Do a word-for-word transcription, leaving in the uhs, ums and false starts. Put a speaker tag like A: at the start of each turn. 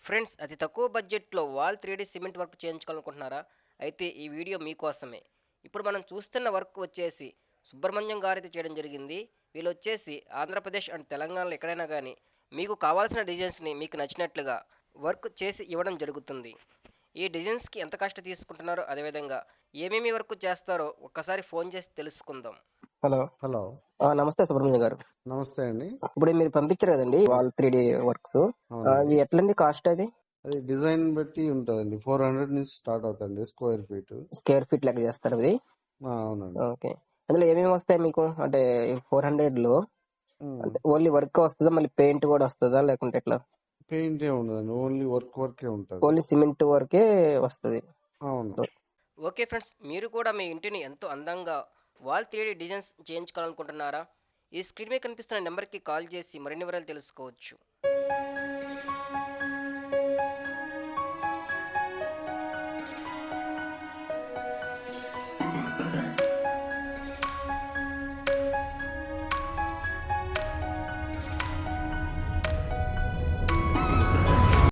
A: Friends, అతి తక్కువ బడ్జెట్‌లో wall three D cement work చేయించుకోవాలనుకుంటున్నారా? అయితే ఈ వీడియో మీకోసమే. ఇప్పుడు మనం చూస్తున్న వర్క్ వచ్చేసి సుబ్రహ్మణ్యం గారైతే చేయడం జరిగింది. వీళ్ళొచ్చేసి ఆంధ్రప్రదేశ్ అండ్ తెలంగాణలో ఎక్కడైనా గానీ మీకు కావాల్సిన డిజైన్స్‌ని మీకు నచ్చినట్లుగా వర్క్ చేసి ఇవ్వడం జరుగుతుంది. ఈ డిజైన్స్‌కి ఎంత కాస్ట్ తీసుకుంటున్నారో, అదేవిధంగా ఏమేమి వర్క్ చేస్తారో ఒక్కసారి ఫోన్ చేసి తెలుసుకుందాం. హలో.
B: హలో.
A: ఆ! నమస్తే సుబ్రహ్మణ్యం గారు.
B: నమస్తే అండి.
A: ఇప్పుడు మీరు పంపించారు కదండీ వాల్ త్రీ డీ వర్క్స్.
B: అవునండి.
A: అవి ఎట్లండి కాస్ట్ అది?
B: అది డిజైన్ బట్టి ఉంటదండి. నాలుగు వందల నుంచి స్టార్ట్ అవుతాయండి స్క్వేర్ ఫీట్.
A: స్క్వేర్ ఫీట్ లెక్క చేస్తారా అది?
B: ఆ! అవునండి.
A: ఓకే. అందులో ఏమేమి వస్తాయి మీకు? అంటే నాలుగు వందలలో
B: హ్మ్.
A: అంటే ఓన్లీ వర్క్ వస్తదా? మళ్ళీ పెయింట్ కూడా వస్తదా? లేకుంటే ఎట్లా?
B: పెయింట్ ఏమి ఉండదండి. ఓన్లీ వర్క్ వర్కే ఉంటది.
A: ఓన్లీ సిమెంట్ వరకే వస్తది.
B: అవును.
A: ఓకే ఫ్రెండ్స్, మీరు కూడా మీ ఇంటిని ఎంతో అందంగా వాల్ త్రీ డీ డిజైన్స్ చేయించుకోవాలనుకుంటున్నారా? ఈ స్క్రీన్ మీద కనిపిస్తున్న నెంబర్‌కి కాల్ చేసి మరిన్ని వివరాలు తెలుసుకోవచ్చు.